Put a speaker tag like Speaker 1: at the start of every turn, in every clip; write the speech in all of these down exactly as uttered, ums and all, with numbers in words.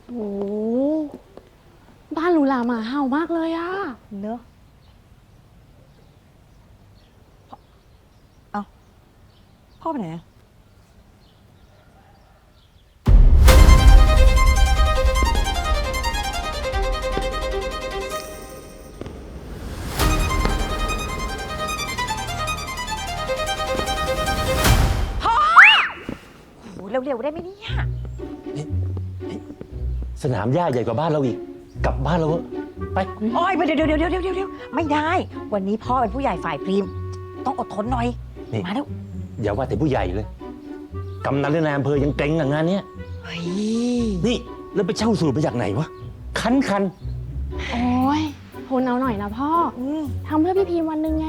Speaker 1: โอ้บ้านหรูหราหมาเห่ามากเลยอะ
Speaker 2: เนอะเอาพ่อไปไหนอะพ่อโหเร็วๆได้ไหมเนี่ย
Speaker 3: สนามหญ้าใหญ่กว่าบ้านเราอีกกลับบ้านเราเถอะไป
Speaker 2: โอ้ยเดี๋ยวเดี๋ยวเดี๋ยวเดี๋ยวเดี๋ยวเดี๋ยวไม่ได้ วันนี้พ่อเป็นผู้ใหญ่ฝ่ายพรีม ต้องอดทนหน่อย
Speaker 3: นี่
Speaker 2: มาแล้ว
Speaker 3: อย่าว่าแต่ผู้ใหญ่เลยกำนันและนายอำเภอยังเกรงกับงานเนี้ย
Speaker 2: เฮ้ย
Speaker 3: นี่แล้วไปเช่าสูตรมาจากไหนวะคันคัน
Speaker 1: โอ้ยทนเอาหน่อยนะพ่อ
Speaker 2: อืม
Speaker 1: ทำเพื่อพี่พีมวันหนึ่งไง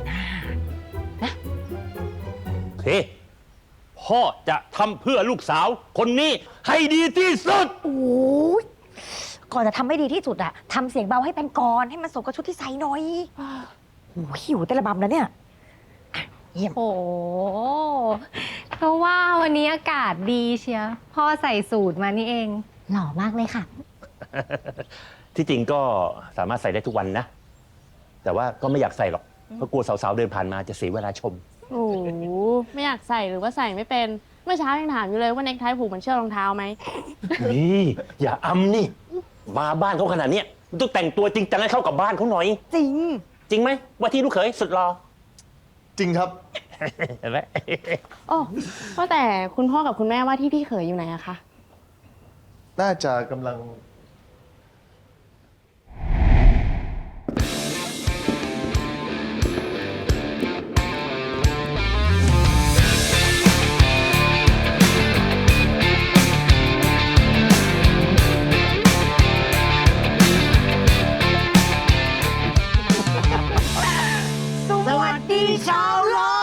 Speaker 3: โอเคพ่อจะทำเพื่อลูกสาวคนนี้ให้ดีที่สุด
Speaker 2: โอ้ยก่อนจะทำให้ดีที่สุดอะทำเสียงเบาให้เป็นกรให้มันสมกับชุดที่ใส่หน่อยโอ้ยหิวแต่ละบำแล้วเนี่ยอ่ะเยี่ยม
Speaker 4: โอ้เพราะว่าวันนี้อากาศดีเชียวพ่อใส่สูตรมานี่เอง หล่อมากเลยค่ะ
Speaker 3: ที่จริงก็สามารถใส่ได้ทุกวันนะ แต่ว่าก็ไม่อยากใส่หรอกเพราะกลัวสาวๆเดินผ่านมาจะเสียเวลาชม
Speaker 1: โอ้โหไม่อยากใส่หรือว่าใส่ไม่เป็น เมื่อเช้ายังถามอยู่เลยว่าเน็กไทผูกเหมือนเชือกรองเท้าไหม
Speaker 3: นี่อย่าอำนี่ มาบ้านเขาขนาดเนี้ยมันต้องแต่งตัวจริงจังให้เข้ากับบ้านเขาหน่อย
Speaker 2: จริง
Speaker 3: จริงไหมว่าที่ลูกเขยสุดรอ
Speaker 5: จริงครับ
Speaker 3: เห็นไหม
Speaker 1: โอ้ว่าแต่คุณพ่อกับคุณแม่ว่าที่พี่เขยอยู่ไหนอะคะ
Speaker 5: น่าจะกำลัง
Speaker 2: สวัสดีชาวโลก